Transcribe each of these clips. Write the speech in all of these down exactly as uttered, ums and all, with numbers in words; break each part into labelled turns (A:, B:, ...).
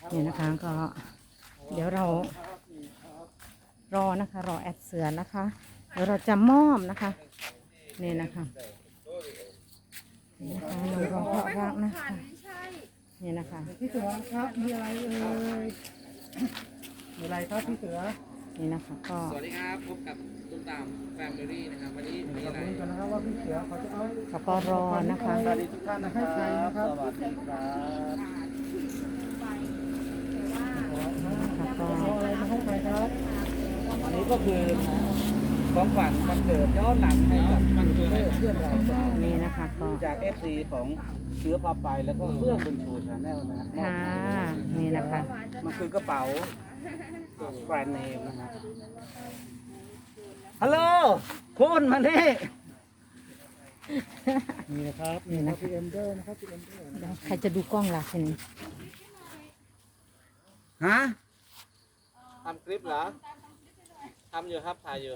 A: นี่นะคะก็เดี๋ยวเรารอนะคะรอแอดเสือนะคะเดี๋ยวเราจะมอบนะคะนี่นะคะนี่นะคะน้องรองเพราะรักนะคะนี่นะคะ
B: พี่เสือครับมีอะไรเอ่ยมีอะไรครับพี่เสือ
A: นี่นะคะก็
C: สวัสดีครับพบกับตุ้มตามแฟมิลี่นะครับวันนี้มี
B: ขอบ
C: อะไร
B: คุณกันนะครับว่าพี่เสือเขาจะเอา
A: เขาก็รอนะคะ
B: สวัสดีทุกท่านนะครับสวัสดีครับ
A: ค่ะก็
B: เอาอะไรมาให้ใครครับ
C: อันนี้ก็คือของขวัญวันเกิดย้อนหลังให้กับมันเกิดเพื่อนเรา
A: นี่นะคะก็
C: จาก เอฟ ซี ของเชื้อพาไปแล้วก็เพื่อนบุญชูชาแนลนะฮะ
A: ค่ะนี่นะคะ
C: มันคือกระเป๋าแบรนด์เนมนะฮะฮัลโหลคุณมานี่
B: นี่นะครับนี่นะพี่เอ็มเดอร์นะครับพี่เอ็มเดอร์
A: เดี๋ยวใครจะดูกล้องล่ะทีนี้
C: ฮะ
D: ทำคลิปเหรอ ทำอยู่ครับ ถ่ายอยู่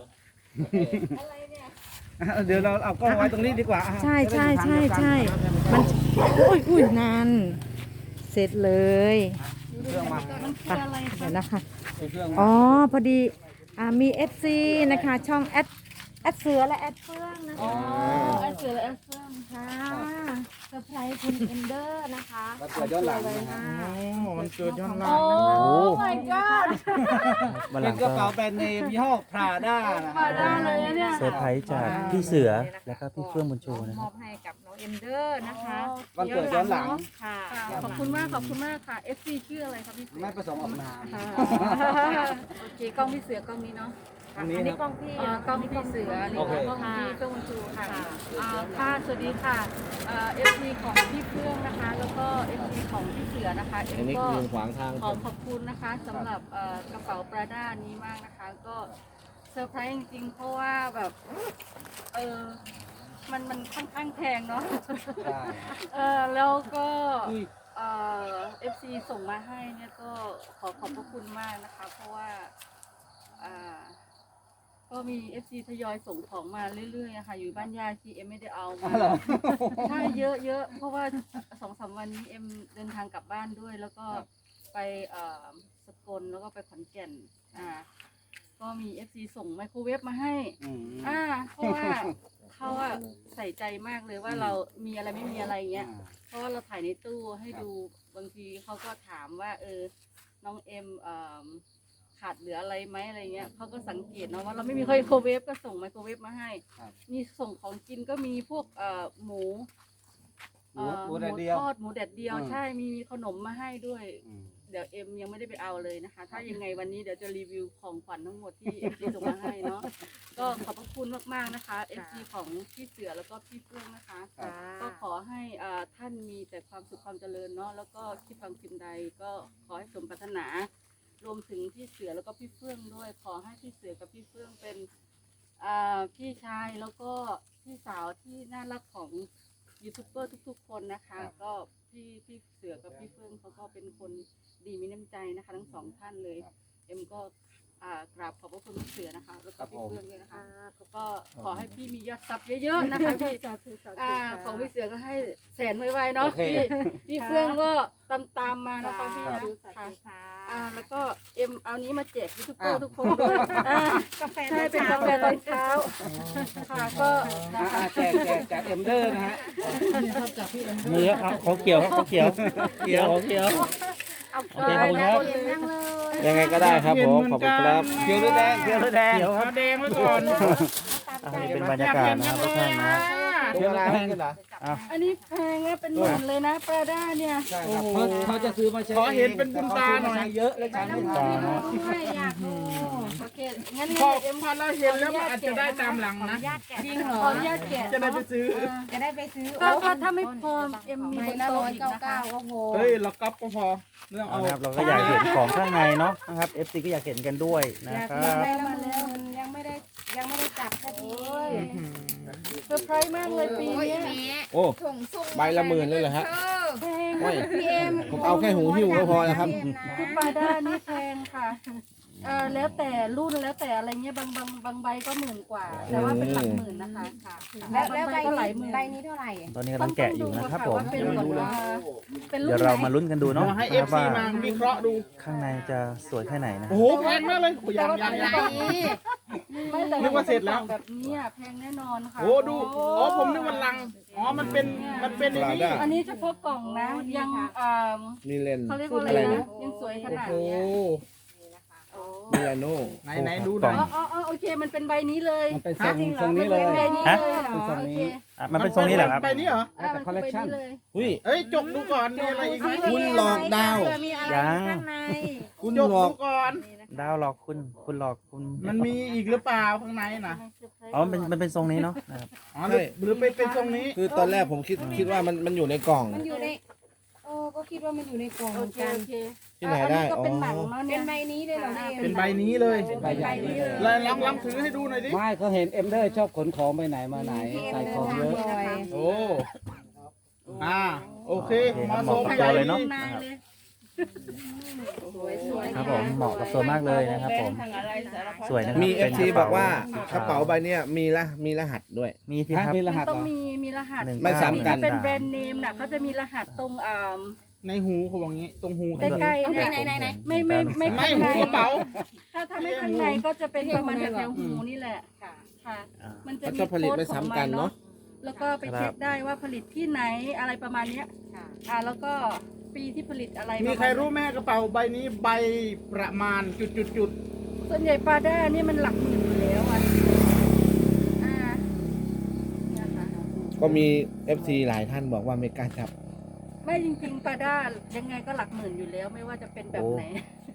C: เดี๋ยวเราเอากล้องไว้ตรงนี้ดีกว่า
A: ใช่ใช่ใช่ใช่มันอุ้ยอุ้ยนานเสร็จเลย
C: เครื่องมา
A: ไปเดี๋ยวนะคะ
C: เครื่องมา
A: อ๋อพอดีอ่ามีเอฟซีนะคะช่องแอดแอดเสือและแอดเฟื่องนะคะแอดเสือและแอดเฟื่องค่ะเซอร์ไพรส์คุณเอนเดอร์นะคะ
C: วันเกิดย้อนหลังนะฮะ
B: โอ้มันเกิดย้อนหลัง
A: โอ้ my god
C: เป็นกระเป๋าแบรนด์เนมยี่ห้อพราด้านะ
A: มาได้เลยนะเนี่ย
E: เซอร์ไพรส์จากพี่เสือแล้วก็พี่เฟื่องบุญชูนะ
A: ม
E: ค
A: อ
E: รับบ
A: ให้กับน้องเอนเดอร์นะคะ
C: วันเกิดย้อนหลัง
A: ค่ะ
F: ขอบคุณมาก ขอบคุณมากค่ะ เอฟ ซี ชื่ออะไรครับพี่เสือ
C: ไม่ประสงค์ออกนาม
F: ค่ะโอเค กล้องพี่เสือกล้องนี้เนาะ
C: อันนี้
A: อัน
C: นะ
A: นี้กล้องพี่
F: อ่ากล้องพี่เสือนี่
C: โอเค
F: กล้องพี่เฟื่องบุญชูค่ะอ่าค่ะ สวัสดีค่ะเอ่อฟซีของพี่เฟื่องนะคะ แล้วก็ เอฟ ซี ของพี่เสือนะคะเอ็
D: อัน
F: ม
D: นี้
F: ก็
D: คือขวางทาง
F: ขอขอบคุณนะคะสำหรับเอ่อกระเป๋าปราด้านี้มากนะคะ ก็เซอร์ไพรส์จริงๆ เพราะว่าแบบเออมันมันค่อนข้างแพงเนาะ
C: ใช่
F: เออแล้วก็เอ่อฟซีส่งมาให้เนี่ยก็ขอขอบพระคุณมากนะคะ เพราะว่าอ่าก็มี เอฟ ซี ทยอยส่งของมาเรื่อยๆนะคะอยู่บ้านยาที่เอ็มไม่ได้เอามาใช่เยอะเยอะเพราะว่าสองสามวันนี้เอ็มเดินทางกลับบ้านด้วย แล้วก็ไปเอ่อสกลแล้วก็ไปขอนแก่นอ่าก็มี เอฟ ซี ส่งไมโครเวฟมาให้
C: อืม
F: อ่าเพราะว่าเขาอะใส่ใจมากเลยว่าเรามีอะไรไม่มีอะไรเงี้ย เพราะว่าเราถ่ายในตู้ให้ดูบางทีเขาก็ถามว่า เออ น้องเอ็มเอ่อขาดเหลืออะไรไหมอะไรเงี้ยเขาก็สังเกตเนาะว่าเราไม่มีไมโครเวฟก็ส่งไมโครเวฟมาให้
C: ครับ
F: มีส่งของกินก็มีพวกเอ่อหมู
C: หมู
F: เอ่อ
C: หมูแดดเดียว
F: ทอดหมูแดดเดียว
C: อืม
F: ใช่มีขนมมาให้ด้วย
C: อืม
F: เดี๋ยวเอ็มยังไม่ได้ไปเอาเลยนะคะ ถ้ายังไงวันนี้เดี๋ยวจะรีวิวของขวัญทั้งหมดที่เอ็มส่งมาให้เนาะก็ขอบพระคุณมากๆนะคะเอฟซีของพี่เสือแล้วก็พี่เฟื่องนะคะ ก็ขอให้อ่าท่านมีแต่ความสุขความเจริญเนาะแล้วก็คิดฟังสิ่งใดก็ขอให้สมปรารถนา รวมถึงพี่เสือแล้วก็พี่เฟื่องด้วย ขอให้พี่เสือกับพี่เฟื่องเป็นอ่าพี่ชายแล้วก็พี่สาวที่น่ารักของยูทูบเบอร์ทุกๆ คนนะคะ ก็พี่พี่เสือกับพี่เฟื่องเขาก็เป็นคนดีมีน้ำใจนะคะ ทั้งสองท่านเลย เอ็มก็อ่ากราบขอบพระคุณพี่เสือนะคะ แล้วก็พี่เฟื่องด้วยนะคะก็ขอให้พี่มียอดซับเยอะๆนะคะพี่ อ่าของพี่เสือก็ให้แสนไวๆเนาะ
C: โอเค
F: พี่พี่เฟื่องก็ตามตามๆมานะคะพี่นะค่ะอ่าแล้วก็เอ็มเอานี้มาแจกยูทูบเบอร์ทุกคนด้วยอ่ากาแฟใช่เป็นกาแฟตอนเช้าค่ะก็นะ
C: อ่า
F: คะ
C: แจกแจกจากเอ็มเดอร์นะฮะ
B: นี่ครับจากพี่เอ็มเดอ
E: มือ
B: ร์
E: ครับเขาเกี่ยวครับเขาเกี่ยวเกี่ยวเขาเกี่ยว
F: เอา
E: โอเคขอบคุณครับ
A: นั่งเลย
D: ยังไงก็ได้ครับผม ขอบคุณครับ
C: เขียวหรือแดงเขียวหรือแดง
E: เกี่ยวครับ
B: แดงไว้ก่อน
E: อันนี้เป็นบรรยากาศนะครับทุกท่านนะ
C: เขียวหรือแดงกันเหรอ
F: อันนี้แพงนะเป็นหมื่นเลยนะปลาด้าเนี่ย
C: ใช่ครับเขาเขาจะซื้อมาใช้
B: ขอเห็นเป็นบุญตาหน่อย
C: แต่เขซื้มใช้เยอะแล้วใช้ไม่ทัน
F: ไม่อยากดูโอเคงั้น
B: พอ
F: เอ็ม
B: พอเราเห็นแล้วมันอาจจะได้ตามหลังนะ
F: จริงเหรอขออนุญาตแกะ
B: จะได้ไปซื้อ
A: จะได้ไปซื้อ
F: ก็ก็ถ้าไม่พอเอ็มมีบนโต๊ะอีกนะคะ
B: เฮ้ยเราก๊อปก็พอเรื่อง
E: เอา
B: เอา
E: นะครับเราก็อยากเห็นของข้างในเนาะนะครับ เอฟ ซี ก็อยากเห็นกันด้วยนะครับ
A: มาแล้วยังไม่ได้ยังไม่ได้จับสักที
F: เซอร์ไพรส์มากเลยปีนี้
D: โอ้ ใบละหมื่นเลยเหรอฮะ
F: แพง
D: ไม่ผมเอาแค่หูหิ้วก็พอแล้วครับ
F: คือปลาด้านี่แพงค่ะเออแล้วแต่รุ่นแล้วแต่อะไรเงี้ยบางบางบางใบก็หมื่นกว่า แต่ว่าเป็นหลักหมื่นนะคะค่ะ
A: แล้วแล้วใบ
F: ก็หลาย
A: นี้
F: หมื่น
A: ใบนี้เท่าไหร่
E: ตอนนี้กำลังแกะอยู่นะครับผม
F: ว่าเป็นแบบว่าเป็นรุ่น
E: เดี๋ยวเรามาลุ้นกันดูเนาะ
D: เดี๋ยวให้
E: ค
D: เอ
E: รับ
D: ฟซี
E: ว่า
D: มาวิเคราะห์ดู
E: ข้างในจะสวยแค่ไหนนะ
D: โอ้โหแพงมากเลยโอ้ยยังยังยัง
F: ไม่แต่
D: นึกว่าเสร็จแล้ว
F: แบบนี้อะแพงแน่นอนค่ะ
D: โอ้ดูอ๋อผมนึกว่าลังอ๋อมันเป็นมันเป็นอย่างนี้
F: อันนี้เฉพาะกล่องนะยังอ่า
B: มีเลน
F: เขาเรียกว่าอะไรนะยังสวยขนาด
D: โอ้
F: เนี้ย
B: มีลาโน่
D: ไหนไหนดูหน่อย
F: อ๋ออ๋ออ๋อโอเคมันเป็นใบนี้เลย
C: มันเป็นทรงทรงนี้เลย
F: ใบนี้
E: ฮะ
F: เลยเหรอ
C: เป็นทรงนี้
F: โอเค
E: อ่ะมันเป็นทรงนี้เหรอครับ
D: ไปนี่เหรอ
F: อ่ามันคือใบนี้เลย
B: อุ้ย
D: เอ้ยจกดูก่อนมีอะไรอีกไหม
B: คุณหลอกดาว
A: มีอะไร
E: ยัง
A: ข้างใน
B: คุณ
D: จก
B: หลอ
D: ดู
B: ก
D: ก่อน
E: ดาวหลอกคุณคุณหลอกคุณ
D: มันมีอีกหรือเปล่าข้างในน่ะ
E: อ๋อมันเป็นมันเป็นทรงนี้เนาะนะครับ
D: อ๋อหรือหรือเป็นเป็นตรงนี้
B: คือตอนแรกผมคิดคิดว่ามันมันอยู่ในกล่อง
A: มันอยู่ในโอ้ก็คิดว่ามันอยู่ในกล่องเห
F: โอ
A: มือน
F: เค
A: กัน
F: โอเค
B: ที่ไหนได้
F: อัก็เป็น
B: อ๋อ
F: หนังเนาะ
A: เป็
F: เนี่ย
A: นใบนี้เลยเหรอแม่
D: เป็นใบนี้เลย
F: เป็นใบนี้เลย
D: แล้วลองลองถือให้ดูหน่อยดิ
C: ไม่เขาเห็นเอ็มเดอร์ชอบขนของไปไหนมาไหนใส่ของเยอะ
D: โอ้อ่าโอเค
E: โอเคค
D: มา
E: รับเห
D: โซ
E: มาะ
D: ม
E: กับ
D: ใหญ่
E: ตัวเลยเนาะ
F: นายเลย
E: ครับผมเหมาะกับตัวมากเลยนะครับผมสวยนะครับ
B: มีเอ
E: ป็
B: ฟ
E: น
B: ซี
E: ระ
B: บ
E: ป๋
B: อกว่ากระเป๋าใบเนี้ยมีละมีรหัสด้วย
E: มีที่
C: ฮะ
E: ครับ
C: มีร
F: มั
C: หั
F: น
C: ส
F: ต้อง
C: เหรอ
F: มีมีรหัส
E: หนึ่ง
B: ไม่ซ้ำกัน
F: ที่เป็นแบรนด์เนมน่ะเขาจะมีรหัสตรงอ่า
D: ในหูเขาบอกงี้ตรงหู
F: ใกล้ๆเนี่ย
A: ไหนไหน
F: ไม่ไม่ไม่
D: ไม่
F: ข้าง
D: หู
F: ใน
D: กระเป๋า
F: ถ้าถ้าไม่ข้างในก็จะเป็นประมาณแถวๆหูนี่แหละค่ะ
E: อ่า
F: มันจะ
B: มัน
F: มี
B: จะผลิต
F: โค้ด
B: ไม่
F: ของ
B: ซ้ำ
F: มั
B: กัน
F: น
B: เนาะ
F: เนาะแล้วก็ไปเช็คได้ว่าผลิตที่ไหนอะไรประมาณเนี้ยอ่าแล้วก็ปีที่ผลิตอะไร
D: มีใครรู้แม่กระเป๋าใบนี้ใบประมาณจุดจุดจุด
F: ส่วนใหญ่ปาด้านี่มันหลักหมื่นอยู่แล้วอ่ะอ่าเนี่ยค่ะ
B: ก็มี เอฟ ซี หลายท่านบอกว่าไม่กล้าจับ
F: ไม่จริงๆปาด้ายังไงก็หลักหมื่นอยู่แล้ว ไม่ว่าจะเป็นแบบไหน
E: โ